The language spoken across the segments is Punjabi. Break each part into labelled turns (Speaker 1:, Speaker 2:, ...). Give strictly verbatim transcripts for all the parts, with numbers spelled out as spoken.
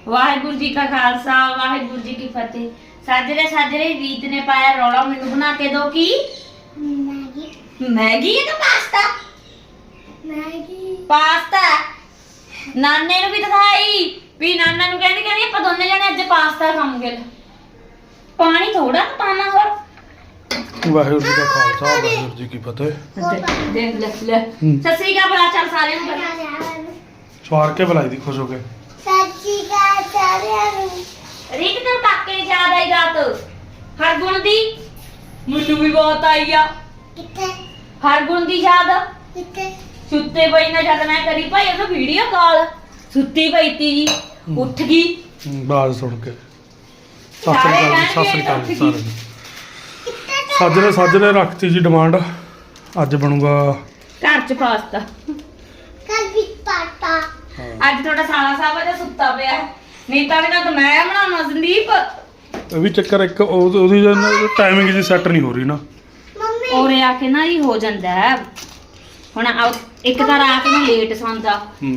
Speaker 1: वाहिगुरु जी का खालसा वाहिगुरु जी की फतेह। साजरे साजरे रीत ने पाया रौला मैनू बना के दो की मैगी मैगी है तो पास्ता मैगी पास्ता नाने नु भी दिखाई भी नाना नु कहंदी कहंदी ਆਪਾਂ ਦੋਨੇ ਜਣੇ ਅੱਜ ਪਾਸਤਾ ਖਾਵਾਂਗੇ। पानी थोड़ा पाना और
Speaker 2: वाहिगुरु जी का खालसा वाहिगुरु जी की फतेह।
Speaker 1: देख ले ले ससरी का बड़ा चल सारे नु
Speaker 2: ਸਵਾਰ ਕੇ ਬੁਲਾਈ ਦੀ ਖੁਸ਼ ਹੋ ਕੇ
Speaker 1: ਸੱਚੀ ਕਾ ਸਾਰਿਆਂ ਨੂੰ ਰੀਤ ਨੂੰ ਕਾਕੇ ਦੀ ਯਾਦ ਆਈ ਰਾਤ ਹਰਗੁਣ ਦੀ ਮੈਨੂੰ ਵੀ ਬਹੁਤ ਆਈ ਆ। ਕਿੱਥੇ ਹਰਗੁਣ ਦੀ ਯਾਦ ਕਿੱਥੇ ਸੁੱਤੇ ਪਈ ਨਾ ਜਦ ਮੈਂ ਕਰੀ ਭਾਈ ਉਹ ਵੀਡੀਓ ਕਾਲ ਸੁੱਤੀ ਪਈ ਤੀ ਜੀ ਉੱਠ ਗਈ
Speaker 2: ਬਾਜ਼ ਸੁਣ ਕੇ ਸਾਸਰੀ ਕਾਲ ਸਾਸਰੀ ਕਾਲ ਸਾਰੇ ਨੂੰ ਸਾਜਰੇ ਸਾਜਰੇ ਰੱਖਤੀ ਜੀ ਡਿਮਾਂਡ ਅੱਜ ਬਣੂਗਾ
Speaker 1: ਘਰ ਚ ਪਾਸਤਾ ਕੱਲ ਵੀ ਪਾਸਤਾ ਅੱਜ ਤੁਹਾਡਾ ਸਾਲਾ ਸਾਹਿਬ ਦਾ ਸੁੱਤਾ ਪਿਆ ਨਹੀਂ ਤਾਂ ਇਹਨਾਂ ਤਾਂ ਮੈਂ ਬਣਾਉਣਾ ਸੰਦੀਪ
Speaker 2: ਇਹ ਵੀ ਚੱਕਰ ਇੱਕ ਉਹ- ਉਹਦੀ ਟਾਈਮਿੰਗ ਜੀ ਸੈੱਟ ਨਹੀਂ ਹੋ ਰਹੀ ਨਾ
Speaker 1: ਮੰਮੀ ਔਰੇ ਆ ਕੇ ਨਾ ਹੀ ਹੋ ਜਾਂਦਾ ਹੈ ਹੁਣ ਆ- ਇੱਕ ਤਾਂ ਰਾਤ ਨੂੰ ਲੇਟ ਸੌਂਦਾ
Speaker 2: ਹੂੰ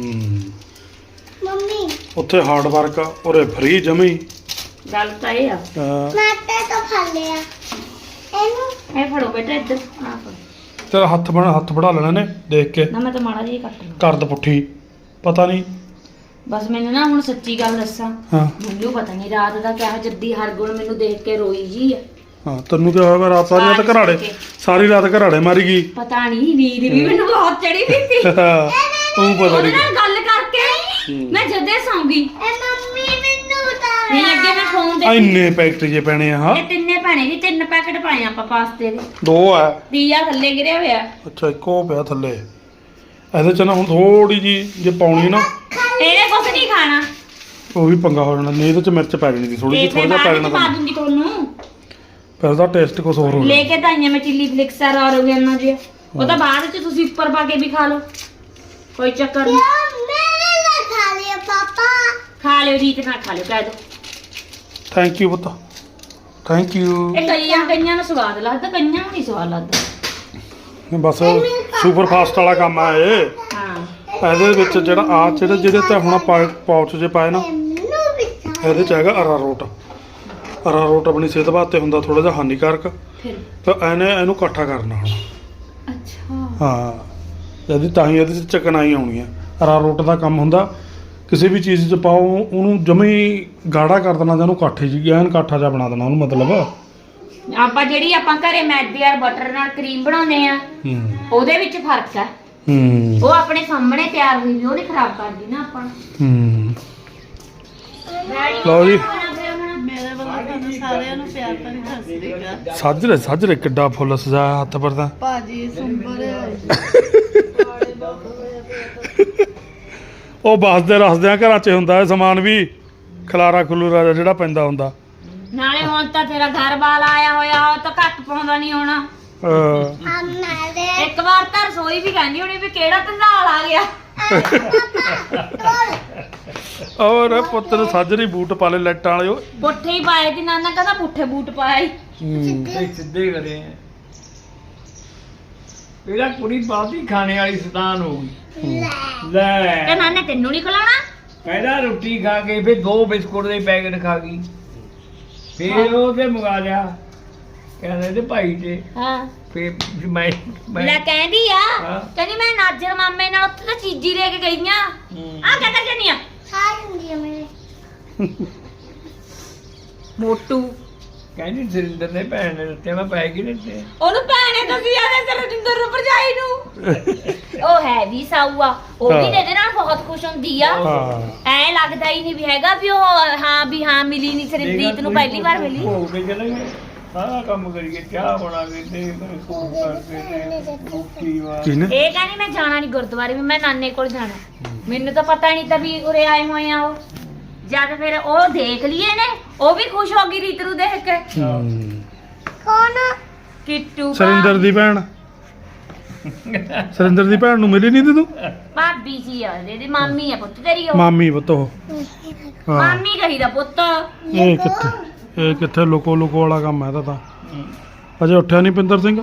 Speaker 1: ਮੰਮੀ
Speaker 2: ਉੱਥੇ ਹਾਰਡ ਵਰਕ ਆ ਔਰੇ ਫ੍ਰੀ ਜਮੀ
Speaker 1: ਗੱਲ ਤਾਂ ਇਹ ਆ
Speaker 2: ਅਹ
Speaker 1: ਮਾਟੇ ਤੋਂ ਫੜ ਲਿਆ ਇਹਨੂੰ ਇਹ ਫੜੋ ਬੇਟਾ ਇੱਧਰ ਆ ਫੜੋ
Speaker 2: ਤੇਰਾ ਹੱਥ ਬਣਾ ਹੱਥ ਬੜਾ ਲੈਣਾ ਨੇ ਦੇਖ ਕੇ
Speaker 1: ਨਾ ਮੈਂ ਤਾਂ ਮਾੜਾ ਜਿਹਾ ਕੱਟ ਲਿਆ
Speaker 2: ਕਰਦ ਪੁੱਠੀ ਪਤਾ ਨਹੀਂ
Speaker 1: ਬਸ ਮੈਨੂੰ ਨਾ ਹੁਣ ਸੱਚੀ ਗੱਲ ਦੱਸਾਂ
Speaker 2: ਹਾਂ
Speaker 1: ਮੈਨੂੰ ਪਤਾ ਨਹੀਂ ਰਾਤ ਦਾ ਕਿਹਾ ਜੱਦੀ ਹਰਗੁਣ ਮੈਨੂੰ ਦੇਖ ਕੇ ਰੋਈ ਜੀ ਆ
Speaker 2: ਹਾਂ ਤੈਨੂੰ ਕੀ ਹੋਇਆ ਰਾਤ ਸਾਰੀ ਰਾਤ ਘਰਾੜੇ ਸਾਰੀ ਰਾਤ ਘਰਾੜੇ ਮਾਰੀ ਗਈ
Speaker 1: ਪਤਾ ਨਹੀਂ ਨੀਂਦ ਵੀ ਮੈਨੂੰ ਬਹੁਤ ਚੜੀ ਵੀ ਸੀ
Speaker 2: ਤੂੰ ਪਤਾ
Speaker 1: ਉਹਦੇ
Speaker 2: ਨਹੀਂ
Speaker 1: ਨਾਲ ਗੱਲ ਕਰਕੇ ਮੈਂ ਜਦੇ ਸੌਂ ਗਈ ਐ ਮੰਮੀ ਮੈਨੂੰ ਤਾਂ ਨਹੀਂ ਅੱਗੇ ਮੈਂ ਫੋਨ ਦੇ
Speaker 2: ਇੰਨੇ ਪੈਕਟ ਜੇ ਪੈਣੇ ਆ ਹਾਂ
Speaker 1: ਇਹ ਤਿੰਨੇ ਭੈਣੇ ਜੀ ਤਿੰਨ ਪੈਕਟ ਪਾਏ ਆਪਾਂ ਪਾਸਤੇ ਦੇ
Speaker 2: ਦੋ ਆ
Speaker 1: ਦੀਆ ਥੱਲੇ ਗਿਰਿਆ ਹੋਇਆ
Speaker 2: ਅੱਛਾ ਇੱਕੋ ਪਿਆ ਥੱਲੇ ਇਹਦੇ ਚ ਨਾ ਹੁਣ ਥੋੜੀ ਜੀ ਜੇ ਪਾਉਣੀ ਨਾ
Speaker 1: ਇਹਨੇ ਕੁਝ ਨਹੀਂ ਖਾਣਾ
Speaker 2: ਉਹ ਵੀ ਪੰਗਾ ਹੋ ਜਾਣਾ ਨਹੀਂ ਇਹਦੇ ਚ ਮਿਰਚ ਪੈ ਜਾਣੀ ਸੀ ਥੋੜੀ ਜਿਹੀ ਥੋੜਾ ਜਿਹਾ ਪੈ ਜਾਣਾ
Speaker 1: ਪਾ
Speaker 2: ਤਾਂ
Speaker 1: ਦੂੰਗੀ ਤੁਹਾਨੂੰ
Speaker 2: ਫਿਰ ਉਹਦਾ ਟੇਸਟ ਕੁਝ ਹੋਰ ਹੋ
Speaker 1: ਲੈ ਕੇ ਤਾਂ ਆਈਆਂ ਮੈਂ ਚਿੱਲੀ ਫਲਿਕਸ ਆ ਔਰ ਉਹਨਾਂ ਜੀ ਉਹ ਤਾਂ ਬਾਅਦ ਚ ਤੁਸੀਂ ਉੱਪਰ ਪਾ ਕੇ ਵੀ ਖਾ ਲਓ ਕੋਈ ਚੱਕਰ ਨਹੀਂ ਮੇਰੇ ਨਾਲ ਖਾ ਲਿਓ ਪਾਪਾ ਖਾ ਲਿਓ ਰੀਤ ਨਾਲ ਖਾ ਲਿਓ ਕਹਿ ਦੋ
Speaker 2: ਥੈਂਕ ਯੂ ਪੁੱਤ ਥੈਂਕ ਯੂ
Speaker 1: ਇਹ ਕਈਆਂ ਕਈਆਂ ਨੂੰ ਸਵਾਦ ਲੱਗਦਾ ਕਈਆਂ ਨੂੰ ਨਹੀਂ ਸਵਾਦ ਲੱਗਦਾ
Speaker 2: ਬਸ ਸੁਪਰ ਫਾਸਟ ਵਾਲਾ ਕੰਮ ਆ ਇਹ
Speaker 1: ਹਾਂ
Speaker 2: ਇਹਦੇ ਵਿੱਚ ਜਿਹੜਾ ਆ ਜਿਹੜੇ ਜਿਹੜੇ ਤੇ ਹੁਣ ਪਾਉਚ ਜੇ ਪਾਏ ਨਾ ਇਹਦੇ ਚ ਹੈਗਾ ਅਰਾਰੋਟ ਅਰਾਰੋਟ ਆਪਣੀ ਸਿਹਤ ਵਾਸਤੇ ਹੁੰਦਾ ਥੋੜਾ ਜਿਹਾ ਹਾਨੀਕਾਰਕ
Speaker 1: ਫਿਰ
Speaker 2: ਤਾਂ ਇਹਨੇ ਇਹਨੂੰ ਇਕੱਠਾ ਕਰਨਾ ਹੁਣ
Speaker 1: ਅੱਛਾ
Speaker 2: ਹਾਂ ਇਹਦੀ ਤਾਂ ਹੀ ਇਹਦੇ ਚ ਚਕਨਾਈ ਆਉਣੀ ਆ ਅਰਾਰੋਟ ਦਾ ਕੰਮ ਹੁੰਦਾ ਕਿਸੇ ਵੀ ਚੀਜ਼ 'ਚ ਪਾਓ ਉਹਨੂੰ ਜਮੀ ਗਾੜਾ ਕਰ ਦੇਣਾ ਜਾਂ ਉਹਨੂੰ ਕਾਠੇ ਜੀ ਐਨ ਕਾਠਾ ਜਿਹਾ ਬਣਾ ਦੇਣਾ ਉਹਨੂੰ ਮਤਲਬ
Speaker 1: ਆਪਾਂ ਜਿਹੜੀ ਆਪਾਂ ਘਰੇ ਮੈਦੇ ਔਰ ਬਟਰ ਨਾਲ ਕਰੀਮ ਬਣਾਉਂਦੇ ਆ
Speaker 2: ਹੂੰ
Speaker 1: ਉਹਦੇ ਵਿੱਚ ਫਰਕ ਆ
Speaker 2: ਹੂੰ
Speaker 1: ਉਹ ਆਪਣੇ ਸਾਹਮਣੇ ਤਿਆਰ ਹੋਈ ਵੀ ਉਹ ਨਹੀਂ ਖਰਾਬ ਕਰਦੀ ਨਾ ਆਪਾਂ ਨੂੰ
Speaker 2: ਹੂੰ ਲਓ ਜੀ
Speaker 3: ਮੇਰੇ ਵੱਲੋਂ ਤੁਹਾਨੂੰ ਸਾਰਿਆਂ ਨੂੰ ਪਿਆਰ ਭਰੀ ਸਤਿ ਸ੍ਰੀ ਅਕਾਲ।
Speaker 2: ਸਾਜਰੇ ਸਾਜਰੇ ਕਿੱਡਾ ਫੁੱਲ ਸਜਾਇਆ ਹੱਥ ਪਰ ਤਾਂ
Speaker 3: ਭਾਜੀ ਸੁੰਬਰ
Speaker 2: ਉਹ ਬਸਦੇ ਰਸਦਿਆਂ ਘਰਾਂ 'ਚ ਹੁੰਦਾ ਇਹ ਸਮਾਨ ਵੀ ਖਲਾਰਾ ਖਲੂਰਾ ਜਿਹਾ ਜਿਹੜਾ ਪੈਂਦਾ ਹੁੰਦਾ
Speaker 1: ਨਾਲੇ ਹੁਣ ਤਾਂ ਤੇਰਾ ਘਰ ਵਾਲਾ ਆਇਆ ਹੋਇਆ ਉਹ ਤਾਂ ਘੱਟ ਪਾਉਂਦਾ ਨਹੀਂ ਹੋਣਾ
Speaker 2: ਅਹ
Speaker 1: ਇੱਕ ਵਾਰ ਤਾਂ ਰਸੋਈ ਵੀ ਕਹਿੰਦੀ ਹੋਣੀ ਵੀ ਕਿਹੜਾ ਧੰਦਾਲ ਆ ਗਿਆ
Speaker 2: ਔਰ ਪੁੱਤ ਨੇ ਸਾਜਰੀ ਬੂਟ ਪਾ ਲਏ ਲਾਈਟਾਂ ਵਾਲੇ ਉਹ
Speaker 1: ਪੁੱਠੇ ਹੀ ਪਾਏ ਤੇ ਨਾਨਾ ਕਹਿੰਦਾ ਪੁੱਠੇ ਬੂਟ ਪਾਏ
Speaker 4: ਸਿੱਧੇ ਕਰੇ ਇਹਦਾ ਕੁੜੀ ਬਾਤੀ ਖਾਣੇ ਵਾਲੀ ਸਤਾਨ ਹੋ ਗਈ
Speaker 1: ਤੇ
Speaker 4: ਲੈ
Speaker 1: ਨਾਨੇ ਤੈਨੂੰ ਨਹੀਂ ਖਿਲਾਉਣਾ
Speaker 4: ਪਹਿਲਾਂ ਰੋਟੀ ਖਾ ਕੇ ਫਿਰ ਦੋ ਬਿਸਕੁਟ ਦੇ ਪੈਕਟ ਖਾ ਗਈ ਫਿਰ ਉਹ ਤੇ ਮੰਗਾ ਲਿਆ ਕਹਿੰਦੇ ਤੇ ਭਾਈ ਤੇ
Speaker 1: ਹਾਂ
Speaker 4: ਫਿਰ ਮੈਂ ਮੈਂ
Speaker 1: ਲੈ ਕਹਿੰਦੀ ਆ
Speaker 4: ਹਾਂ।
Speaker 1: ਕਹਿੰਦੀ ਮੈਂ ਨਾਜਰ ਮਾਮੇ ਨਾਲ ਉੱਥੇ ਤਾਂ ਚੀਜ਼ੀ ਲੈ ਕੇ ਗਈਆਂ ਆ ਕਹਿੰਦਾ ਜੰਨੀ ਆ ਖਾ ਲੈਂਦੀ ਆ ਮੇਰੇ ਮੋਟੂ
Speaker 4: ਕਹਿੰਦੀ ਸਰਿੰਦਰ ਨੇ ਭੈਣ ਨੇ ਦਿੱਤੇ ਮੈਂ ਪੈ ਗਈ ਦਿੱਤੇ
Speaker 1: ਉਹਨੂੰ ਭੈਣੇ ਦੱਸੀ ਆ ਤੇ ਰਜਿੰਦਰ ਨੂੰ ਭਰਜਾਈ ਨੂੰ ਉਹ ਹੈ ਵੀ ਸਾਊਆ ਉਹ ਵੀ
Speaker 2: ਹਾਂ।
Speaker 1: ਇਹਦੇ ਨਾਲ ਬਹੁਤ ਖੁਸ਼ ਹੁੰਦੀ ਆ
Speaker 2: ਹਾਂ
Speaker 1: ਐ ਲੱਗਦਾ ਹੀ ਨਹੀਂ ਵੀ ਹੈਗਾ ਵੀ ਉਹ ਹਾਂ ਵੀ ਹਾਂ ਮਿਲੀ ਨਹੀਂ ਸਰਿੰਦੀਪ ਨੂੰ ਪਹਿਲੀ ਵਾਰ ਮਿਲੀ
Speaker 4: ਹੋ ਕੇ ਚਲੇ ਗਏ ਸਾਰਾ ਕੰਮ ਕਰੀਏ ਚਾਹ ਬਣਾ ਕੇ ਤੇ ਕੋਲ ਕਰਕੇ ਤੇ ਰੋਟੀ ਵਾ
Speaker 2: ਕਿਹਨੇ
Speaker 1: ਇਹ ਕਹਿੰਦੀ ਮੈਂ ਜਾਣਾ ਨਹੀਂ ਗੁਰਦੁਆਰੇ ਵੀ ਮੈਂ ਨਾਨੇ ਕੋਲ ਜਾਣਾ ਮੈਨੂੰ ਤਾਂ ਪਤਾ ਨਹੀਂ ਤਾਂ ਵੀ ਉਰੇ ਆਏ ਹੋਏ ਆ ਉਹ ਜਦ ਫਿਰ ਉਹ ਦੇਖ ਲਈਏ ਨੇ ਉਹ ਵੀ ਖੁਸ਼ ਹੋ ਗਈ ਰੀਤ ਨੂੰ ਦੇਖ ਕੇ
Speaker 2: ਹੂੰ।
Speaker 1: ਕੌਣ ਕਿੱਟੂ
Speaker 2: ਸਰਿੰਦਰ ਦੀ ਭੈਣ ਸਰਿੰਦਰ ਦੀ ਭੈਣ ਨੂੰ ਮਿਲੀ ਨਹੀਂ ਤੀ ਤੂੰ
Speaker 1: ਭਾਬੀ ਜੀ ਆ ਇਹਦੀ ਮਾਮੀ ਆ ਪੁੱਤ ਤੇਰੀ ਉਹ
Speaker 2: ਮਾਮੀ ਪੁੱਤ ਉਹ ਹਾਂ
Speaker 1: ਮਾਮੀ ਕਹੀਦਾ ਪੁੱਤ
Speaker 2: ਇਹ ਕਿੱਥੇ ਇਹ ਕਿੱਥੇ ਲੁਕੋ ਲੁਕੋ ਵਾਲਾ ਕੰਮ ਹੈ ਇਹਦਾ ਤਾਂ ਅਜੇ ਉੱਠਿਆ ਨਹੀਂ ਪਿੰਦਰ ਸਿੰਘ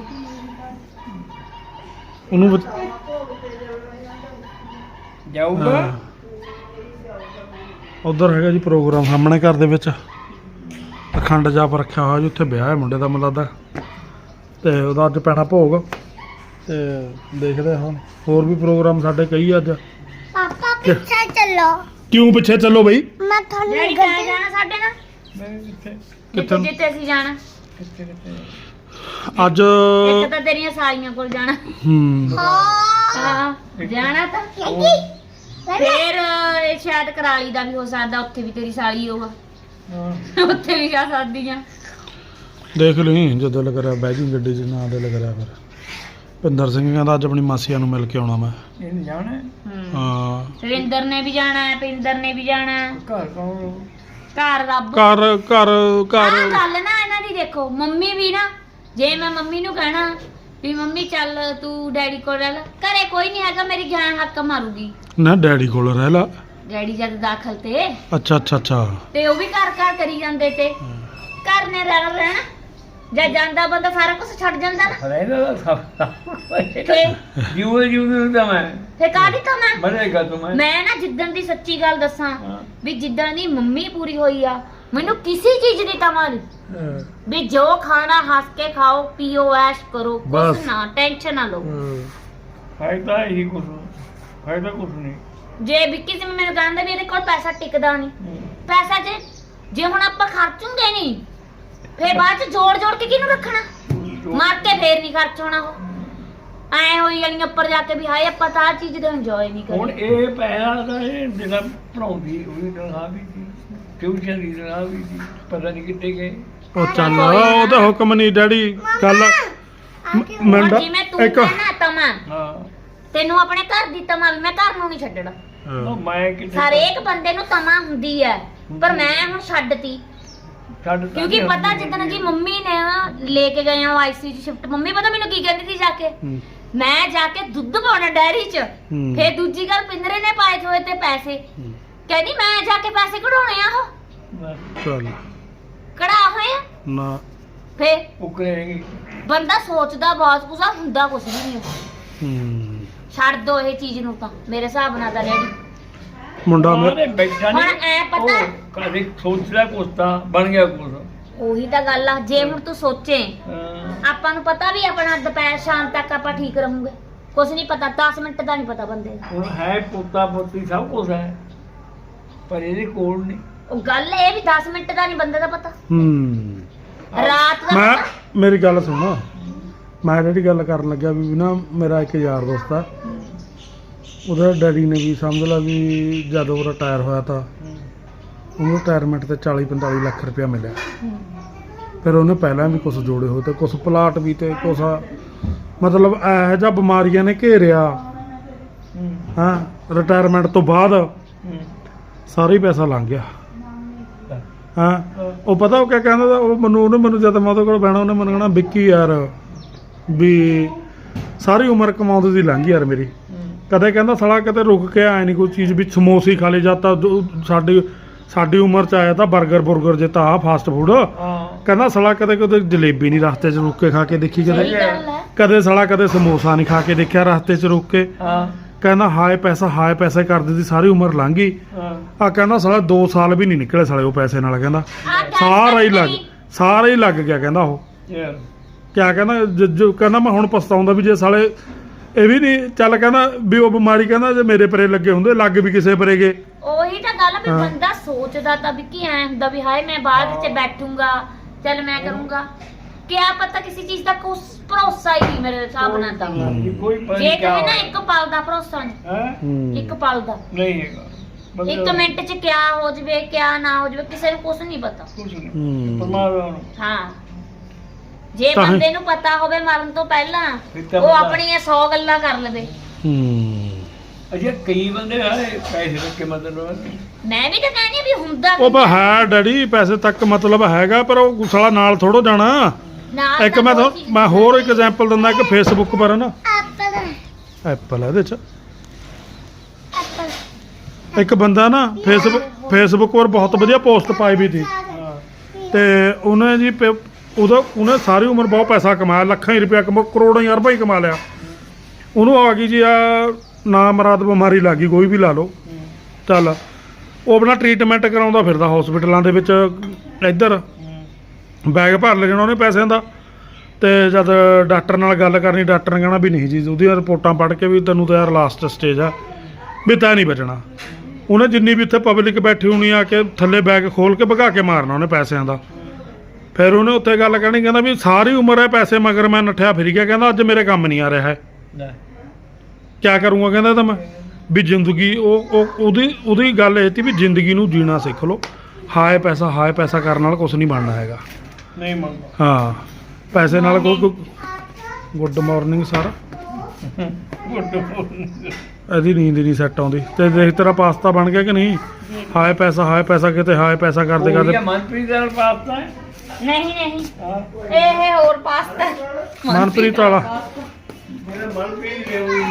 Speaker 2: ਉਹਨੂੰ ਬ-
Speaker 4: ਜਾਊਗਾ
Speaker 2: ਹਾਂ। ਉਧਰ ਹੈਗਾ ਜੀ ਪ੍ਰੋਗਰਾਮ ਸਾਹਮਣੇ ਘਰ ਦੇ ਵਿੱਚ ਅਖੰਡ ਜਾਪ ਰੱਖਿਆ ਹੋਇਆ ਜੀ ਉੱਥੇ ਵਿਆਹ ਹੈ ਮੁੰਡੇ ਦਾ ਮੈਨੂੰ ਲੱਗਦਾ ਤੇ ਉਹਦਾ ਅੱਜ ਪੈਣਾ ਭੋਗ ਤੇ ਦੇਖਦੇ ਹਾਂ ਹੋਰ ਵੀ ਪ੍ਰੋਗਰਾਮ ਸਾਡੇ ਕਈ ਅੱਜ
Speaker 1: ਪਾਪਾ ਪਿੱਛੇ ਚੱਲੋ
Speaker 2: ਕਿਉਂ ਪਿੱਛੇ ਚੱਲੋ ਬਈ
Speaker 1: ਮੈਂ ਤੁਹਾਨੂੰ ਡੈਡੀ ਕਿੱਥੇ ਜਾਣਾ ਸਾਡੇ ਨਾਲ
Speaker 4: ਮੈਂ ਕਿੱਥੇ
Speaker 1: ਕਿੱਥੇ ਜਿੱਥੇ ਅਸੀਂ ਜਾਣਾ
Speaker 4: ਕਿੱਥੇ ਕਿੱਥੇ
Speaker 2: ਅੱਜ
Speaker 1: ਇੱਕ ਤਾਂ ਤੇਰੀਆਂ ਸਾਲੀਆਂ ਕੋਲ ਜਾਣਾ
Speaker 2: ਹੂੰ
Speaker 1: ਹਾਂ ਜਾਣਾ ਤਾਂ ਫੇਰ ਇਹ ਸ਼ਾਇਦ ਕਰਾਲੀ ਦਾ ਵੀ ਹੋ ਸਕਦਾ ਉੱਥੇ ਵੀ ਤੇਰੀ ਸਾਲੀ ਹੋਊਗਾ
Speaker 4: ਹਾਂ
Speaker 1: ਉੱਥੇ ਵੀ ਜਾ ਸਕਦੀ ਆ
Speaker 2: ਦੇਖ ਲਈ ਜਦੋਂ ਲੱਗ ਰਿਹਾ ਬਹਿ ਜੀ ਗੱਡੀ 'ਚ ਨਾ ਦੇ ਲੱਗ ਰਿਹਾ ਫਿਰ ਭਿੰਦਰ ਸਿੰਘ ਕਹਿੰਦਾ ਅੱਜ ਆਪਣੀ ਮਾਸੀਆਂ ਨੂੰ ਮਿਲ ਕੇ ਆਉਣਾ ਮੈਂ
Speaker 4: ਇਹ ਨਹੀਂ ਜਾਣਾ
Speaker 2: ਹਾਂ
Speaker 1: ਸੁਰਿੰਦਰ ਨੇ ਵੀ ਜਾਣਾ ਹੈ ਪਿੰਦਰ ਨੇ ਵੀ ਜਾਣਾ ਹੈ
Speaker 4: ਘਰ ਕੌਣ
Speaker 1: ਘਰ ਰੱਬ
Speaker 2: ਘਰ ਘਰ ਘਰ
Speaker 1: ਆਹ ਗੱਲ ਨਾ ਇਹਨਾਂ ਦੀ ਦੇਖੋ ਮੰਮੀ ਵੀ ਨਾ ਜੇ ਮੈਂ ਮੰਮੀ ਨੂੰ ਕਹਿਣਾ ਵੀ ਮੰਮੀ ਚੱਲ ਤੂੰ ਡੈਡੀ ਕੋਲ ਰਹਿ ਲੈ ਘਰੇ ਕੋਈ ਨਹੀਂ ਹੈਗਾ ਮੇਰੀ ਜਾਨ ਹੱਕ ਮਾਰੂਗੀ
Speaker 2: ਨਾ ਡੈਡੀ ਕੋਲ ਰਹਿ ਲਾ
Speaker 1: ਡੈਡੀ ਜਦ ਦਾਖਲ ਤੇ
Speaker 2: ਅੱਛਾ ਅੱਛਾ ਅੱਛਾ
Speaker 1: ਤੇ ਉਹ ਵੀ ਘਰ ਘਰ ਕਰੀ ਜਾਂਦੇ ਤੇ ਘਰ ਨੇ ਰਹਿਣਾ ਰਹਿਣਾ ਜਦ ਜਾਂਦਾ ਬੰਦਾ ਸਾਰਾ ਕੁਝ ਛੱਡ ਜਾਂਦਾ ਨਾ
Speaker 4: ਰਹਿਦਾ ਸਭ
Speaker 1: ਫੇ
Speaker 4: ਜੀਵ ਜੀਵ ਦਾ ਮੈਂ
Speaker 1: ਫੇ ਕਾਹਦੀ ਤਾਂ ਮੈਂ
Speaker 4: ਮਰੇਗਾ ਤੂੰ ਮੈਂ
Speaker 1: ਮੈਂ ਨਾ ਜਿੱਦਣ ਦੀ ਸੱਚੀ ਗੱਲ ਦੱਸਾਂ
Speaker 4: ਹਾਂ।
Speaker 1: ਵੀ ਜਿੱਦਣ ਦੀ ਮੰਮੀ ਪੂਰੀ ਹੋਈ ਆ ਮੈਨੂੰ ਕਿਸੇ ਚੀਜ਼ ਦੀ ਤਮਾ ਨਹੀਂ ਵੀ ਜੋ ਖਾਣਾ ਹੱਸ ਕੇ ਖਾਓ ਪੀਓ ਐਸ਼ ਕਰੋ
Speaker 2: ਬਸ।
Speaker 1: ਕੁਛ ਨਾ ਟੈਨਸ਼ਨ ਨਾ ਲਓ
Speaker 4: ਫਾਇਦਾ ਹੀ ਕੁਛ ਫਾਇਦਾ ਕੁਛ ਨਹੀਂ
Speaker 1: ਜੇ ਵਿੱਕੀ ਸਿੰਘ ਮੈਨੂੰ ਕਹਿੰਦਾ ਵੀ ਇਹਦੇ ਕੋਲ ਪੈਸਾ ਟਿਕਦਾ ਨਹੀਂ ਪੈਸਾ ਜੇ ਜੇ ਹੁਣ ਆਪਾਂ ਖਰਚੂਗੇ ਨਹੀਂ ਫੇਰ ਬਾਅਦ ਚ ਜੋੜ ਜੋੜ ਕੇ ਕਿਹਨੂੰ ਰੱਖਣਾ ਮਰ ਕੇ ਫੇਰ ਨਹੀਂ ਖਰਚ ਹੋਣਾ ਉਹ ਐ ਹੋਈ ਜਾਣੀ ਉੱਪਰ ਜਾ ਕੇ ਵੀ ਹਾਏ ਆਪਾਂ ਤਾਂ ਆਹ ਚੀਜ਼ ਦਾ ਇੰਜੋਏ ਨਹੀਂ
Speaker 4: ਹੁਣ
Speaker 1: ਕਰਦੇ
Speaker 4: ਇਹ ਪੈਸਾ ਦਾ ਇਹ ਜਿਹੜਾ ਪੜਾਉਂਦੀ ਉਹਦੀ ਤਨਖਾਹ ਵੀ ਸੀ ਟਿਊਸ਼ਨ ਦੀ ਤਨਖਾਹ ਵੀ ਸੀ ਪਤਾ ਨਹੀਂ ਕਿੱਥੇ ਗਏ
Speaker 2: ਉਹ ਚੱਲ ਉਹਦਾ ਹੁਕਮ ਨਹੀਂ ਡੈਡੀ ਗੱਲ
Speaker 1: ਹੁਣ
Speaker 2: ਮੰਡਾ
Speaker 1: ਜਿਵੇਂ ਤੂੰ
Speaker 2: ਇੱਕ
Speaker 1: ਕਹਿਣਾ ਤਮਾ
Speaker 4: ਹਾਂ
Speaker 1: ਤੈਨੂੰ ਆਪਣੇ ਘਰ ਦੀ ਤਮਾ ਵੀ ਮੈਂ ਘਰ ਨੂੰ ਨਹੀਂ ਛੱਡਣਾ
Speaker 4: ਉਹ ਮੈਂ ਕਿੱਥੇ
Speaker 1: ਹਰੇਕ ਬੰਦੇ ਨੂੰ ਤਮਾ ਹੁੰਦੀ ਹੈ ਪਰ ਮੈਂ ਹੁਣ ਛੱਡਤੀ
Speaker 4: ਛੱਡ
Speaker 1: ਕਿਉਂਕਿ ਪਤਾ ਜਿੱਦਣ ਜੀ ਮੰਮੀ ਨੇ ਨਾ ਲੈ ਕੇ ਗਏ ਆ ਆਈਸੀ ਚ ਸ਼ਿਫਟ ਮੰਮੀ ਪਤਾ ਮੈਨੂੰ ਕੀ ਕਹਿੰਦੀ ਸੀ ਜਾ ਕੇ
Speaker 2: ਹੂੰ।
Speaker 1: ਮੈਂ ਜਾ ਕੇ ਦੁੱਧ ਪਾਉਣਾ ਡੈਰੀ ਚ
Speaker 2: ਹੂੰ।
Speaker 1: ਫੇਰ ਦੂਜੀ ਗੱਲ ਪਿੰਦਰੇ ਨੇ ਪਾਏ ਹੋਏ ਤੇ ਪੈਸੇ
Speaker 2: ਹੂੰ।
Speaker 1: ਕਹਿੰਦੀ ਮੈਂ ਜਾ ਕੇ ਪੈਸੇ ਕਢਾਉਣੇ ਆ ਉਹ
Speaker 2: ਚੱਲ
Speaker 1: ਕਢਾ ਹੋਏ ਆ
Speaker 2: ਨਾ
Speaker 1: ਫੇਰ
Speaker 4: ਉਕਰੇਗੀ
Speaker 1: ਬੰਦਾ ਸੋਚਦਾ ਬਹੁਤ ਕੁਛ ਆ ਹੁੰਦਾ ਕੁਛ ਵੀ ਨਹੀਂ
Speaker 2: ਹੂੰ
Speaker 1: ਛੱਡ ਦੋ ਇਹ ਚੀਜ਼ ਨੂੰ ਤਾਂ ਮੇਰੇ ਹਿਸਾਬ ਨਾਲ ਤਾਂ ਰੈਡੀ
Speaker 2: ਮੁੰਡਾ ਮੇ
Speaker 4: ਉਹਨੇ ਬੈਠਾ
Speaker 1: ਹੁਣ
Speaker 4: ਨਹੀਂ
Speaker 1: ਐ ਪਤਾ
Speaker 4: ਕਦੇ ਸੋਚਦਾ ਕੁਛ ਤਾਂ ਬਣ ਗਿਆ ਕੁਛ
Speaker 1: ਉਹੀ ਤਾਂ ਗੱਲ ਆ ਜੇ ਹੁਣ ਤੂੰ ਸੋਚੇ
Speaker 4: ਹਾਂ।
Speaker 1: ਆਪਾਂ ਨੂੰ ਪਤਾ ਵੀ ਆਪਣਾ ਦੁਪਹਿਰ ਸ਼ਾਮ ਤੱਕ ਆਪਾਂ ਠੀਕ ਰਹੂਗੇ ਕੁਛ ਨਹੀਂ ਪਤਾ ਦਸ ਮਿੰਟ ਦਾ ਨਹੀਂ ਪਤਾ ਬੰਦੇ ਦਾ
Speaker 4: ਹੁਣ ਹੈ ਪੋਤਾ ਪੋਤੀ ਸਭ ਕੁਛ ਹੈ ਪਰ ਇਹਦੇ ਕੋਲ ਨਹੀਂ
Speaker 1: ਉਹ ਗੱਲ ਇਹ ਵੀ ਦਸ ਮਿੰਟ ਦਾ ਨਹੀਂ ਬੰਦੇ ਦਾ ਪਤਾ
Speaker 2: ਹੂੰ
Speaker 1: ਰਾਤ ਦਾ
Speaker 2: ਮੈਂ
Speaker 1: ਪਤਾ
Speaker 2: ਮੇਰੀ ਗੱਲ ਸੁਣੋ ਮੈਂ ਜਿਹੜੀ ਗੱਲ ਕਰਨ ਲੱਗਿਆ ਵੀ ਨਾ ਮੇਰਾ ਇੱਕ ਯਾਰ ਦੋਸਤ ਆ ਉਹਦਾ ਡੈਡੀ ਨੇ ਵੀ ਸਮਝ ਲਾ ਵੀ ਜਦੋਂ ਉਹ ਰਿਟਾਇਰ ਹੋਇਆ ਤਾਂ ਉਹਨੂੰ ਰਿਟਾਇਰਮੈਂਟ ਤੇ ਚਾਲੀ ਪੰਤਾਲੀ ਲੱਖ ਰੁਪਇਆ ਮਿਲਿਆ ਫਿਰ ਉਹਨੇ ਪਹਿਲਾਂ ਵੀ ਕੁਝ ਜੋੜੇ ਹੋਏ ਤੇ ਕੁਝ ਪਲਾਟ ਵੀ ਤੇ ਕੁਝ ਮਤਲਬ ਇਹੋ ਜਿਹਾ ਬਿਮਾਰੀਆਂ ਨੇ ਘੇਰਿਆ ਹਾਂ ਰਿਟਾਇਰਮੈਂਟ ਤੋਂ ਬਾਅਦ ਸਾਰਾ ਹੀ ਪੈਸਾ ਲੰਘ ਗਿਆ ਹਾਂ ਉਹ ਪਤਾ ਉਹ ਕਿਆ ਕਹਿੰਦਾ ਤਾ? ਉਹ ਮੈਨੂੰ ਉਹਨੇ ਮੈਨੂੰ ਜਦ ਮੈਂ ਉਹਦੇ ਕੋਲ ਬਹਿਣਾ ਉਹਨੇ ਮੈਨੂੰ ਕਹਿਣਾ ਵਿੱਕੀ ਯਾਰ ਵੀ ਸਾਰੀ ਉਮਰ ਕਮਾਉਂਦੀ ਦੀ ਲੰਘ ਯਾਰ ਮੇਰੀ ਕਦੇ ਕਹਿੰਦਾ ਸਾਲਾ ਕਿਤੇ ਰੁਕ ਕੇ ਆਏ ਨਹੀਂ ਕੋਈ ਚੀਜ਼ ਵੀ ਸਮੋਸੇ ਖਾ ਲੇ ਜਾਂਦਾ ਸਾਡੀ ਸਾਡੀ ਉਮਰ ਚ ਆਇਆ ਤਾਂ 버ਗਰ ਬੁਰਗਰ ਜੇ ਤਾਂ ਆ ਫਾਸਟ ਫੂਡ ਕਹਿੰਦਾ ਸਾਲਾ ਕਦੇ ਕਦੇ ਜਲੇਬੀ ਨਹੀਂ ਰਸਤੇ 'ਚ ਰੁਕ ਕੇ ਖਾ ਕੇ ਦੇਖੀ
Speaker 1: ਸਹੀ
Speaker 2: ਕਦੇ
Speaker 1: ਗੱਲ ਹੈ
Speaker 2: ਕਦੇ ਸਾਲਾ ਕਦੇ ਸਮੋਸਾ ਨਹੀਂ ਖਾ ਕੇ ਦੇਖਿਆ ਰਸਤੇ 'ਚ ਰੁਕ ਕੇ
Speaker 4: ਹਾਂ
Speaker 2: ਕਹਿੰਦਾ ਹਾਏ ਪੈਸਾ ਹਾਏ ਪੈਸੇ ਕਰਦੇ ਦੀ ਸਾਰੀ ਉਮਰ ਲੰਘ ਗਈ
Speaker 4: ਹਾਂ
Speaker 2: ਆ ਕਹਿੰਦਾ ਸਾਲਾ ਦੋ ਸਾਲ ਵੀ ਨਹੀਂ ਨਿਕਲੇ ਸਾਲੇ ਉਹ ਪੈਸੇ ਨਾਲ ਕਹਿੰਦਾ
Speaker 1: ਆਹ ਗੱਲ
Speaker 2: ਸਾਰਾ ਹੀ ਲੱਗ
Speaker 1: ਨਹੀਂ।
Speaker 2: ਸਾਰਾ ਹੀ ਲੱਗ ਗਿਆ ਕਹਿੰਦਾ ਉਹ
Speaker 4: ਯਾਰ
Speaker 2: ਕਿਆ ਕਹਿੰਦਾ ਜ- ਜੋ ਕਹਿੰਦਾ ਮੈਂ ਹੁਣ ਪਛਤਾਉਂਦਾ ਵੀ ਜੇ ਸਾਲੇ ਇਹ ਵੀ ਨਹੀਂ ਚੱਲ ਕਹਿੰਦਾ ਵੀ ਉਹ ਬਿਮਾਰੀ ਕਹਿੰਦਾ ਜੇ ਮੇਰੇ ਪਰੇ ਲੱਗੇ ਹੁੰਦੇ ਲੱਗ ਵੀ ਕਿਸੇ ਪਰੇ ਗਏ
Speaker 1: ਉਹੀ ਤਾਂ ਗੱਲ ਆ ਵੀ
Speaker 2: ਹਾਂ।
Speaker 1: ਬੰਦਾ ਸੋਚਦਾ ਤਾਂ ਵੀ ਕੀ ਐ ਹੁੰਦਾ ਵੀ ਹਾਏ ਮੈਂ ਬਾਅਦ ਵਿੱਚ ਬੈਠੂੰਗਾ ਚੱਲ ਮੈਂ ਕਰੂੰਗਾ ਕਿਆ ਪਤਾ ਕਿਸੇ ਚੀਜ਼ ਦਾ ਕੁਛ ਭਰੋਸਾ ਹੀ ਨਹੀਂ ਮੇਰੇ ਹਿਸਾਬ ਨਾਲ ਤਾਂ
Speaker 4: ਕੋਈ ਪਤਾ
Speaker 1: ਜੇ
Speaker 4: ਨਹੀਂ ਕਿਆ
Speaker 1: ਕਹੇ ਨਾ ਇੱਕ ਪਲ ਦਾ ਭਰੋਸਾ ਨਹੀਂ
Speaker 4: ਹੈ
Speaker 2: ਹੂੰ।
Speaker 1: ਇੱਕ ਪਲ ਦਾ
Speaker 4: ਨਹੀਂ ਹੈਗਾ ਬੰਦੇ
Speaker 1: ਇੱਕ ਮਿੰਟ 'ਚ ਕਿਆ ਹੋ ਜਵੇ ਕਿਆ ਨਾ ਹੋ ਜਵੇ ਕਿਸੇ ਨੂੰ ਕੁਛ ਨਹੀਂ ਪਤਾ
Speaker 4: ਕੁਛ ਨਹੀਂ
Speaker 2: ਹੂੰ।
Speaker 4: ਪਰਮਾਤਮਾ ਨੂੰ
Speaker 1: ਹਾਂ ਜੇ
Speaker 2: ਤਾਂ ਹੀ-
Speaker 1: ਬੰਦੇ ਨੂੰ ਪਤਾ ਹੋਵੇ ਮਰਨ ਤੋਂ ਪਹਿਲਾਂ
Speaker 4: ਫਿਰ ਤਾਂ
Speaker 1: ਉਹ
Speaker 4: ਬੰਦਾ-
Speaker 1: ਆਪਣੀਆਂ ਸੌ ਗੱਲਾਂ ਕਰ ਲਵੇ
Speaker 2: ਹੂੰ
Speaker 4: ਅਜੇ ਕਈ ਬੰਦੇ ਆਏ ਪੈਸੇ ਰੱਖ ਕੇ ਮਤਲਬ
Speaker 1: ਮੈਂ ਵੀ ਤਾਂ ਕਹਿੰਦੀ ਹਾਂ ਵੀ ਹੁੰਦਾ
Speaker 2: ਉਹ ਬਾ ਹੈ ਡੈਡੀ ਪੈਸੇ ਤੱਕ ਮਤਲਬ ਹੈਗਾ ਪਰ ਉਹ ਸਾਲਾ ਨਾਲ ਥੋੜੋ ਜਾਣਾ
Speaker 1: ਨਾਲ
Speaker 2: ਇੱਕ
Speaker 1: ਤਾਂ
Speaker 2: ਮੈਂ
Speaker 1: ਕੋਈ
Speaker 2: ਤੁਹਾਨੂੰ-
Speaker 1: ਚੀਜ਼
Speaker 2: ਮੈਂ ਹੋਰ ਇੱਕ ਐਗਜ਼ਾਮਪਲ ਦਿੰਦਾ ਇੱਕ ਫੇਸਬੁੱਕ ਪਰ ਨਾ
Speaker 1: ਐਪਲ
Speaker 2: ਐਪਲ ਇਹਦੇ ਚ
Speaker 1: ਐਪਲ
Speaker 2: ਇੱਕ ਬੰਦਾ ਨਾ ਫੇਸਬੁੱਕ ਫੇਸਬੁੱਕ ਪਰ ਬਹੁਤ ਵਧੀਆ ਪੋਸਟ ਪਾਈ ਵੀ ਸੀ
Speaker 4: ਹਾਂ
Speaker 2: ਤੇ ਉਹਨੇ ਜੀ ਪ- ਉਹਦਾ ਉਹਨੇ ਸਾਰੀ ਉਮਰ ਬਹੁਤ ਪੈਸਾ ਕਮਾਇਆ ਲੱਖਾਂ ਹੀ ਰੁਪਇਆ ਕਮਾ ਕਰੋੜਾਂ ਹੀ ਅਰਬਾਂ ਹੀ ਕਮਾ ਲਿਆ ਉਹਨੂੰ ਆ ਗਈ ਜੀ ਆ ਨਾ ਮਰਾਦ ਬਿਮਾਰੀ ਲੱਗ ਗਈ ਕੋਈ ਵੀ ਲਾ ਲਓ ਚੱਲ ਉਹ ਆਪਣਾ ਟ੍ਰੀਟਮੈਂਟ ਕਰਾਉਂਦਾ ਫਿਰਦਾ ਹਸਪੀਟਲਾਂ ਦੇ ਵਿੱਚ ਇੱਧਰ ਬੈਗ ਭਰ ਲੈ ਜਾਣਾ ਉਹਨੇ ਪੈਸਿਆਂ ਦਾ। ਤੇ ਜਦ ਡਾਕਟਰ ਨਾਲ ਗੱਲ ਕਰਨੀ ਡਾਕਟਰ ਨੇ ਕਹਿਣਾ ਵੀ ਨਹੀਂ ਜੀ ਉਹਦੀਆਂ ਰਿਪੋਰਟਾਂ ਪੜ੍ਹ ਕੇ ਵੀ ਤੈਨੂੰ ਤਾਂ ਯਾਰ ਲਾਸਟ ਸਟੇਜ ਆ ਵੀ ਤਾਂ ਨਹੀਂ ਬਚਣਾ। ਉਹਨੇ ਜਿੰਨੀ ਵੀ ਇੱਥੇ ਪਬਲਿਕ ਬੈਠੀ ਹੋਣੀ ਆ ਕੇ ਥੱਲੇ ਬੈਗ ਖੋਲ ਕੇ ਭਗਾ ਕੇ ਮਾਰਨਾ ਉਹਨੇ ਪੈਸਿਆਂ ਦਾ। ਫਿਰ ਉਹਨੇ ਉੱਥੇ ਗੱਲ ਕਹਿਣੀ ਕਹਿੰਦਾ ਵੀ ਸਾਰੀ ਉਮਰ ਹੈ ਪੈਸੇ ਮਗਰ ਮੈਂ ਨੱਠਿਆ ਫਿਰ ਗਿਆ, ਕਹਿੰਦਾ ਅੱਜ ਮੇਰੇ ਕੰਮ ਨਹੀਂ ਆ ਰਿਹਾ ਹੈ ਕਿਆ ਕਰੂੰਗਾ ਕਹਿੰਦਾ ਤਾਂ ਮੈਂ ਵੀ ਜ਼ਿੰਦਗੀ ਉਹ ਉਹ ਉਹਦੀ ਉਹਦੀ ਗੱਲ ਇਹ ਸੀ ਵੀ ਜ਼ਿੰਦਗੀ ਨੂੰ ਜੀਣਾ ਸਿੱਖ ਲਓ। ਹਾਏ ਪੈਸਾ ਹਾਏ ਪੈਸਾ ਕਰਨ ਨਾਲ ਕੁਝ ਨਹੀਂ ਬਣਨਾ ਹੈਗਾ।
Speaker 4: ਨਹੀਂ ਮੰਗਦਾ
Speaker 2: ਹਾਂ ਪੈਸੇ ਨਾਲ ਕੋਈ ਗੁੱਡ ਮਾਰਨਿੰਗ ਸਰ ਇਹਦੀ ਨੀਂਦ ਨਹੀਂ ਸੈੱਟ ਆਉਂਦੀ। ਤੇ ਦੇਖ ਤੇਰਾ ਪਾਸਤਾ ਬਣ ਗਿਆ ਕਿ ਨਹੀਂ? ਹਾਏ ਪੈਸਾ ਹਾਏ ਪੈਸਾ ਕਿਤੇ ਹਾਏ ਪੈਸਾ ਕਰਦੇ ਕਰਦੇ
Speaker 4: ਮਨਪ੍ਰੀਤ ਦਾ ਪਾਸਤਾ ਹੈ।
Speaker 1: ਨਹੀਂ ਨਹੀਂ ਇਹ ਹੋਰ ਪਾਸਤਾ
Speaker 2: ਮਨਪ੍ਰੀਤ ਵਾਲਾ
Speaker 4: ਮੇਰਾ ਮਨਪ੍ਰੀਤ ਦੇ ਹੋਈ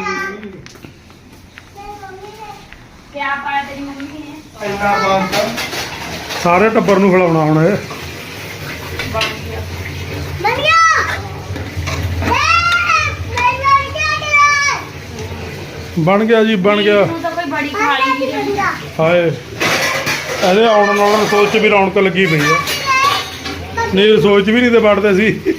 Speaker 1: ਕਿਆ ਪਾਇਆ ਤੇਰੀ ਮੰਮੀ ਨੇ?
Speaker 4: ਇੰਨਾ ਪਾਸਤਾ
Speaker 2: ਸਾਰੇ ਟੱਬਰ ਨੂੰ ਖਿਲਾਉਣਾ ਹੁਣ ਇਹ। ਬਣ ਗਿਆ ਜੀ ਬਣ ਗਿਆ।
Speaker 1: ਤੂੰ ਤਾਂ ਕੋਈ ਬੜੀ ਖਾਲੀ ਵੀ ਨਹੀਂ।
Speaker 2: ਹਾਏ ਇਹਦੇ ਆਉਣ ਨਾਲ ਰਸੋਈ 'ਚ ਵੀ ਰੌਣਕ ਲੱਗੀ ਪਈ ਆ। ਨਹੀਂ ਰਸੋਈ 'ਚ ਵੀ ਨਹੀਂ ਤੇ ਵੜਦੇ ਸੀ।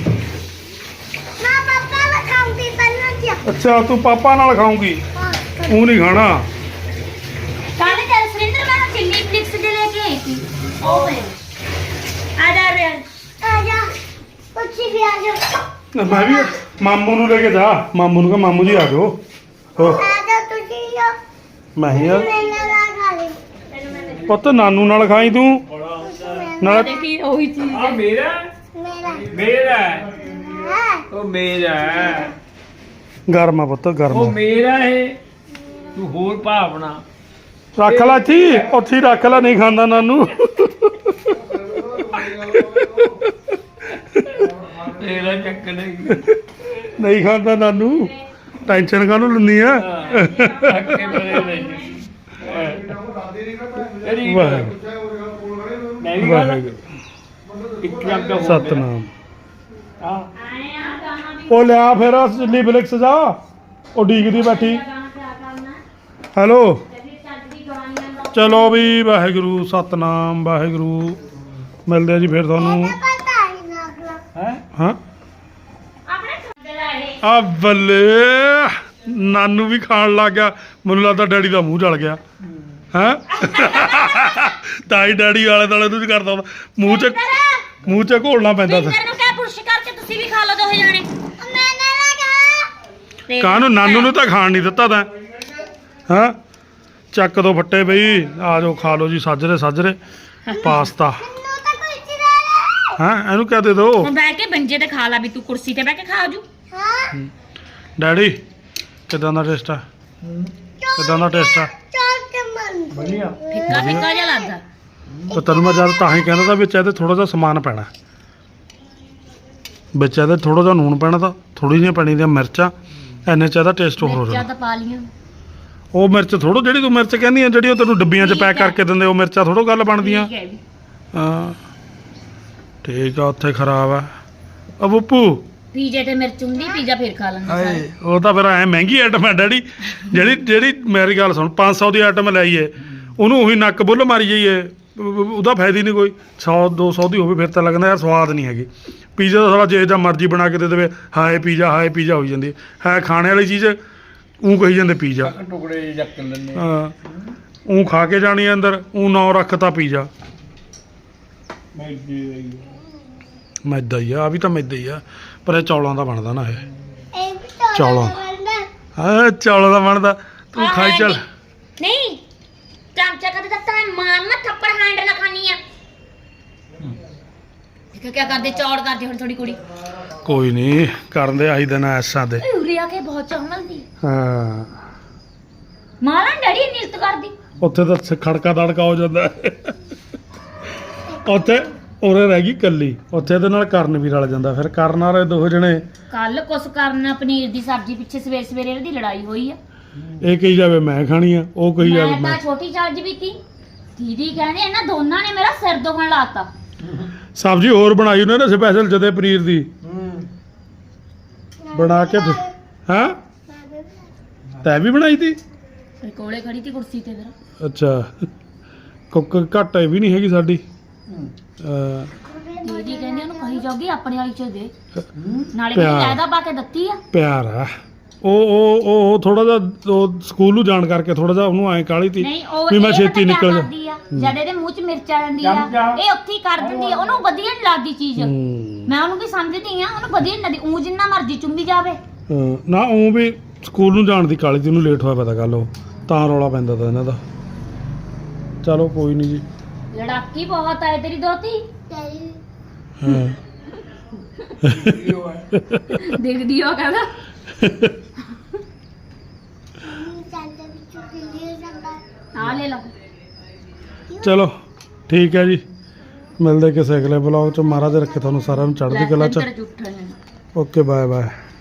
Speaker 2: ਅੱਛਾ ਤੂੰ ਪਾਪਾ ਨਾਲ ਖਾਊਂਗੀ ਉਹ ਨਹੀਂ ਖਾਣਾ।
Speaker 1: ਕੱਲ ਚੱਲ ਸੁਰਿੰਦਰ ਮੈਂ ਚਿੱਲੀ ਫਲਿਕਸ ਦੇ ਲੈ ਕੇ ਆਈ ਸੀ ਉਹ ਪਏ ਆ ਜਾ ਰੇ ਆ ਜਾ ਪੁੱਛੀ ਵੀ ਆ ਜਾ।
Speaker 2: ਮੈਂ ਵੀ ਮਾਮੂ ਨੂੰ ਲੈ ਕੇ ਜਾ। ਮਾਮੂ ਨੂੰ ਕਹ ਮਾਮੂ ਜੀ ਆ ਜਾਓ। ਹੋ
Speaker 1: ਆ ਜਾ ਤੁਸੀਂ ਆ
Speaker 2: ਮੈਂ ਹੀ ਆ
Speaker 1: ਮੈਂ ਨਾ ਖਾ ਲਈ
Speaker 2: ਪੁੱਤ ਨਾਨੂ ਨਾਲ ਖਾਈ ਤੂੰ ਨਾਲ।
Speaker 1: ਦੇਖੀ ਉਹੀ ਚੀਜ਼
Speaker 4: ਆ ਮੇਰਾ
Speaker 1: ਮੇਰਾ
Speaker 4: ਮੇਰਾ
Speaker 1: ਹਾਂ
Speaker 4: ਉਹ ਮੇਰਾ
Speaker 2: ਗਰਮ ਆ ਪੁੱਤ
Speaker 4: ਉਹ
Speaker 2: ਗਰਮ
Speaker 4: ਮੇਰਾ ਹੈ। ਤੂੰ ਹੋਰ ਭਾਵਨਾ
Speaker 2: ਰੱਖ ਲੈ ਇੱਥੇ ਹੀ, ਉੱਥੇ ਹੀ ਰੱਖ ਲੈ। ਨਹੀਂ ਖਾਂਦਾ ਨਾਨੂ
Speaker 4: ਤੇਰਾ ਚੱਕ ਨਹੀਂ
Speaker 2: ਨਹੀਂ ਖਾਂਦਾ ਨਾਨੂ। ਟੈਨਸ਼ਨ ਕਾਹਨੂੰ ਲੈਂਦੀ ਆ?
Speaker 4: ਅੱਕੇ ਬਰੇ ਨਹੀਂ ਤੇਰੀ
Speaker 2: ਵਾਹਿਗੁਰੂ
Speaker 4: ਮੈਂ ਵੀ ਗੱਲ
Speaker 2: ਵਾਹਿਗੁਰੂ
Speaker 4: ਇੱਕ ਲੱਗ ਦਾ
Speaker 2: ਸਤਨਾਮ।
Speaker 4: ਹਾਂ
Speaker 1: ਆਏ ਆ ਗਾਣਾ ਵੀ
Speaker 2: ਉਹ ਲਿਆ ਫਿਰ ਚਿੱਲੀ ਫਲਿਕਸ ਜਾ। ਉਹ ਡੀਕਦੀ ਬੈਠੀ।
Speaker 1: ਗਾਣਾ ਕਿਆ ਕਰਨਾ
Speaker 2: ਹੈਲੋ
Speaker 1: ਤੇ ਫਿਰ ਚੱਜ ਦੀ ਗਾਣੀਆਂ ਦਾ
Speaker 2: ਚਲੋ ਵੀ ਵਾਹਿਗੁਰੂ ਸਤਨਾਮ ਵਾਹਿਗੁਰੂ। ਮਿਲਦੇ ਆ ਜੀ ਫਿਰ ਤੁਹਾਨੂੰ।
Speaker 1: ਪਤਾ ਹੀ ਨਾ ਅਗਲਾ
Speaker 4: ਹੈ
Speaker 2: ਹਾਂ
Speaker 1: ਆਪਣੇ ਖੰਡੇ ਦਾ ਇਹ
Speaker 2: ਆ ਬੱਲੇ ਨਾਨੂ ਵੀ ਖਾਣ ਲੱਗ ਗਿਆ। ਮੈਨੂੰ ਲੱਗਦਾ ਡੈਡੀ ਦਾ ਮੂੰਹ ਜਲ ਗਿਆ ਹੈ। ਤਾਈ ਡੈਡੀ ਵਾਲੇ ਦੁਆਲੇ ਨੂੰ ਕਰਦਾ ਹੁੰਦਾ ਮੂੰਹ ਚ ਮੂੰਹ ਚ ਘੋਲਣਾ ਪੈਂਦਾ ਸੀ।
Speaker 1: ਸਿੰਦਰ ਨੂੰ ਕਹਿ ਪੁਸ਼ ਕਰਕੇ ਤੁਸੀਂ ਵੀ ਖਾ ਲਓ ਦੋਹੇ ਜਾਣੇ ਮੈਂ ਨਾ ਲਗਾ
Speaker 2: ਕਾਹਨੂੰ ਨਾਨੂ ਨੂੰ ਤਾਂ ਖਾਣ ਨਹੀਂ ਦਿੱਤਾ ਤੈਂ। ਹਾਂ ਚੱਕ ਦੋ ਫੱਟੇ ਬਈ ਆ ਜਾਓ ਖਾ ਲਓ ਜੀ ਸਾਜਰੇ ਸਾਜਰੇ ਪਾਸਤਾ। ਹਾਂ ਇਹਨੂੰ ਕਹਿ ਦੇ ਦੋ
Speaker 1: ਹੁਣ ਬਹਿ ਕੇ ਬੰਜੇ ਤੇ ਖਾ ਲਾ ਵੀ ਤੂੰ ਕੁਰਸੀ ਤੇ ਬਹਿ ਕੇ ਖਾ ਜੂ ਹਾਂ
Speaker 2: ਡੈਡੀ ਕਿਦਾਂ ਦਾ ਟੇਸਟ ਆ? ਕਿਦਾਂ ਦਾ ਟੇਸਟ ਆ?
Speaker 4: ਵਧੀਆ
Speaker 1: ਫਿੱਕਾ ਫਿੱਕਾ ਜਿਹਾ ਲੱਗਦਾ
Speaker 2: ਤੇ ਤੈਨੂੰ ਮੈਂ ਜਦ ਤਾਂ ਹੀ ਕਹਿੰਦਾ ਤਾਂ ਵਿੱਚ ਇਹਦੇ ਥੋੜਾ ਜਿਹਾ ਸਮਾਨ ਪੈਣਾ। ਵਿੱਚ ਇਹਦੇ ਥੋੜਾ ਜਿਹਾ ਨੂਣ ਪੈਣਾ ਤਾਂ ਥੋੜੀ ਜਿਹੀਆਂ ਪੈਣੀ ਦੀਆਂ ਮਿਰਚਾਂ ਐਨੇ ਚ ਇਹਦਾ ਟੇਸਟ ਹੋਰ ਹੋ
Speaker 1: ਮਿਰਚਾਂ
Speaker 2: ਜਾਣਾ।
Speaker 1: ਤਾਂ ਪਾ ਲੀਆਂ
Speaker 2: ਉਹ ਮਿਰਚ ਥੋੜੋ ਜਿਹੜੀ ਤੂੰ ਮਿਰਚ ਕਹਿੰਦੀ ਆ ਜਿਹੜੀ ਉਹ ਤੈਨੂੰ ਡੱਬੀਆਂ 'ਚ
Speaker 1: ਠੀਕ
Speaker 2: ਪੈਕ
Speaker 1: ਹੈ।
Speaker 2: ਕਰਕੇ ਦਿੰਦੇ ਉਹ ਮਿਰਚਾਂ ਥੋੜੋ ਗੱਲ ਬਣਦੀਆਂ।
Speaker 1: ਠੀਕ ਹੈ ਵੀ
Speaker 2: ਹਾਂ ਠੀਕ ਆ ਉੱਥੇ ਖਰਾਬ ਆ। ਆ ਬੱਪੂ
Speaker 1: ਪੀਜੇ ਤੇ ਮਿਰਚ ਹੁੰਦੀ ਪੀਜ਼ਾ ਫੇਰ ਖਾ ਲੈਂਦਾ ਸਾਰੇ
Speaker 2: ਹਾਏ ਉਹ ਤਾਂ ਫਿਰ ਐ ਮਹਿੰਗੀ ਆਈਟਮ ਹੈ ਡੈਡੀ। ਜਿਹੜੀ ਜਿਹੜੀ ਮੇਰੀ ਗੱਲ ਸੁਣ ਪੰਜ ਸੌ ਦੀ ਆਈਟਮ ਲਾਈਏ ਉਹਨੂੰ ਉਹੀ ਨੱਕ ਬੁੱਲ ਮਾਰੀ ਜਾਈਏ ਉਹਦਾ ਫਾਇਦਾ ਹੀ ਨਹੀਂ ਕੋਈ। ਸੌ ਦੋ ਸੌ ਦੀ ਹੋਵੇ ਫਿਰ ਤਾਂ ਲੱਗਦਾ ਯਾਰ ਸਵਾਦ ਨਹੀਂ ਹੈਗੀ। ਪੀਜ਼ਾ ਦਾ ਸਾਰਾ ਜੇ ਜਾਂ ਮਰਜ਼ੀ ਬਣਾ ਕੇ ਦੇ ਦੇਵੇ ਹਾਏ ਪੀਜ਼ਾ ਹਾਏ ਪੀਜ਼ਾ ਹੋਈ ਜਾਂਦੀ ਹੈ। ਖਾਣੇ ਵਾਲੀ ਚੀਜ਼ ਉਹ ਕਹੀ ਜਾਂਦੇ ਪੀਜ਼ਾ।
Speaker 4: ਟੁਕੜੇ ਜਿਹੇ ਚੱਕ ਲੈਂਦੇ
Speaker 2: ਹਾਂ ਉਹ ਖਾ ਕੇ ਜਾਣੀ ਆ ਅੰਦਰ ਉਹ ਨਾਂ ਰੱਖਤਾ ਪੀਜ਼ਾ। ਮੈਦਾ ਹੀ ਆ ਆ ਵੀ ਤਾਂ ਮੈਦਾ ਹੀ ਆ ਪਰ ਇਹ ਚੌਲਾਂ ਦਾ ਬਣਦਾ ਨਾ ਇਹ ਚੌਲਾਂ ਹਾਂ ਚੌਲਾਂ ਦਾ ਬਣਦਾ। ਤੂੰ ਖਾਈ ਚੱਲ।
Speaker 1: ਨਹੀਂ ਚਮਚਾ ਕਦੇ ਤੱਕ ਤਾਂ ਮਾਰਨਾ ਥੱਪੜ ਹੈਂਡ ਨਾ ਖਾਣੀ ਆ ਦੇਖੋ ਕੀ ਕਰਦੇ ਚੌੜ ਕਰਦੇ ਹੁਣ ਥੋੜੀ ਕੁੜੀ
Speaker 2: ਕੋਈ ਨਹੀਂ ਕਰਨ ਦੇ ਆਹੀ ਦਿਨ ਐਸਾਂ ਦੇ।
Speaker 1: ਉਰੇ ਆ ਕੇ ਬਹੁਤ ਚੌਂਲਦੀ
Speaker 2: ਹਾਂ
Speaker 1: ਮਾਰਾਂ ਡੈਡੀ ਨਿਰਤ ਕਰਦੀ
Speaker 2: ਉੱਥੇ ਤਾਂ ਖੜਕਾ ਦੜਕਾ ਹੋ ਜਾਂਦਾ ਉੱਥੇ ਉਰੇ ਰਹਿ ਗਈ ਕੱਲੀ। ਉੱਥੇ ਇਹਦੇ ਨਾਲ ਕਰਨ ਵੀ ਰਲ ਜਾਂਦਾ ਫਿਰ ਕਰਨ ਵਾਲੇ ਦੋ ਜਣੇ।
Speaker 1: ਕੱਲ ਕੁਛ ਕਰਨਾ ਪਨੀਰ ਦੀ ਸਬਜ਼ੀ ਪਿੱਛੇ ਸਵੇਰ ਸਵੇਰੇ ਇਹਦੀ ਲੜਾਈ ਹੋਈ ਆ।
Speaker 2: ਇਹ ਕਹੀ ਜਾਵੇ ਮੈਂ ਖਾਣੀ ਆ ਉਹ ਕਹੀ ਜਾਵੇ
Speaker 1: ਮੈਂ
Speaker 2: ਮੈਂ।
Speaker 1: ਤਾਂ ਛੋਟੀ ਚੱਜ ਵੀ ਤੀ ਦੀਦੀ ਕਹਿੰਦੇ ਇਹਨਾਂ ਦੋਨਾਂ ਨੇ ਮੇਰਾ ਸਿਰ ਦੁਖਣ ਲਾਤਾ।
Speaker 2: ਸਬਜ਼ੀ ਹੋਰ ਬਣਾਈ ਉਹਨੇ ਨਾ ਸਪੈਸ਼ਲ ਜਦੇ ਪਨੀਰ ਦੀ ਬਣਾ ਕੇ ਹਾਂ ਤੈਂ ਵੀ ਬਣਾਈ ਤੀ?
Speaker 1: ਕੋਲੇ ਖੜੀ ਤੀ ਕੁਰਸੀ ਤੇ ਫਿਰ
Speaker 2: ਅੱਛਾ ਕੁੱਕ ਘੱਟ ਇਹ ਵੀ ਨਹੀਂ ਹੈਗੀ ਸਾਡੀ ਅਹ,
Speaker 1: ਦੀਦੀ ਕਹਿੰਦੀ ਉਹਨੂੰ ਕਹੀ ਜਾਊਗੀ ਆਪਣੇ ਵਾਲੀ ਚ ਦੇ ਨਾਲੇ
Speaker 2: ਪਿਆਰ।
Speaker 1: ਕਿ ਲੈਦਾ ਪਾ ਕੇ ਦਿੱਤੀ ਆ
Speaker 2: ਪਿਆਰ ਆ ਉਹ ਉਹ ਉਹ ਥੋੜਾ ਜਿਹਾ ਉਹ ਸਕੂਲ ਨੂੰ ਜਾਣ ਕਰਕੇ ਥੋੜਾ ਜਿਹਾ ਉਹਨੂੰ ਐਂ ਕਾਹਲੀ ਤੀ
Speaker 1: ਨਹੀਂ ਉਹ
Speaker 2: ਵੀ ਮੈਂ
Speaker 1: ਇਹ
Speaker 2: ਛੇਤੀ
Speaker 1: ਪਤਾ ਕਿਆ
Speaker 2: ਨਿਕਲ ਜਾ
Speaker 1: ਕਰਦੀ ਆ ਜਦ ਇਹਦੇ ਮੂੰਹ 'ਚ ਮਿਰਚ ਆ ਜਾਂਦੀ ਆ
Speaker 4: ਚਮਚਾ।
Speaker 1: ਇਹ ਉੱਥੇ ਹੀ ਕਰ ਦਿੰਦੀ ਆ ਉਹਨੂੰ ਵਧੀਆ ਨਹੀਂ ਲੱਗਦੀ ਚੀਜ਼
Speaker 2: ਹੂੰ।
Speaker 1: ਮੈਂ ਉਹਨੂੰ ਕੀ ਸਮਝਦੀ ਆ ਉਹਨੂੰ ਵਧੀਆ ਨਹੀਂ ਲੱਗਦੀ ਊਂ ਜਿੰਨਾ ਮਰਜ਼ੀ ਚੁੰਬੀ ਜਾਵੇ
Speaker 2: ਹਾਂ, ਨਾ ਉਹ ਵੀ ਸਕੂਲ ਨੂੰ ਜਾਣ ਦੀ ਕਾਹਲੀ ਤੀ ਉਹਨੂੰ ਲੇਟ ਹੋਇਆ ਪਤਾ ਗੱਲ ਉਹ ਤਾਂ ਰੌਲਾ ਪੈਂਦਾ ਤਾ ਇਹਨਾਂ ਦਾ ਚਲੋ ਕੋਈ ਨਹੀਂ ਜੀ
Speaker 1: ਲੜਾਕੀ ਬਹੁਤ ਆਏ ਤੇਰੀ ਦੋਤੀ
Speaker 2: ਹਾਂ
Speaker 1: ਦੇਖਦੀ ਉਹ ਕਹਿੰਦਾ ਆ ਲੈ ਲਓ
Speaker 2: ਚਲੋ ਠੀਕ ਹੈ ਜੀ ਮਿਲਦੇ ਕਿਸੇ ਅਗਲੇ ਬਲੌਗ ਚ ਮਹਾਰਾਜ ਰੱਖੇ ਤੁਹਾਨੂੰ ਸਾਰਿਆਂ ਨੂੰ ਚੜ੍ਹਦੀ ਕਲਾ ਚ
Speaker 1: ਇੱਧਰ ਜੁੱਠਣ
Speaker 2: ਓਕੇ ਬਾਏ ਬਾਏ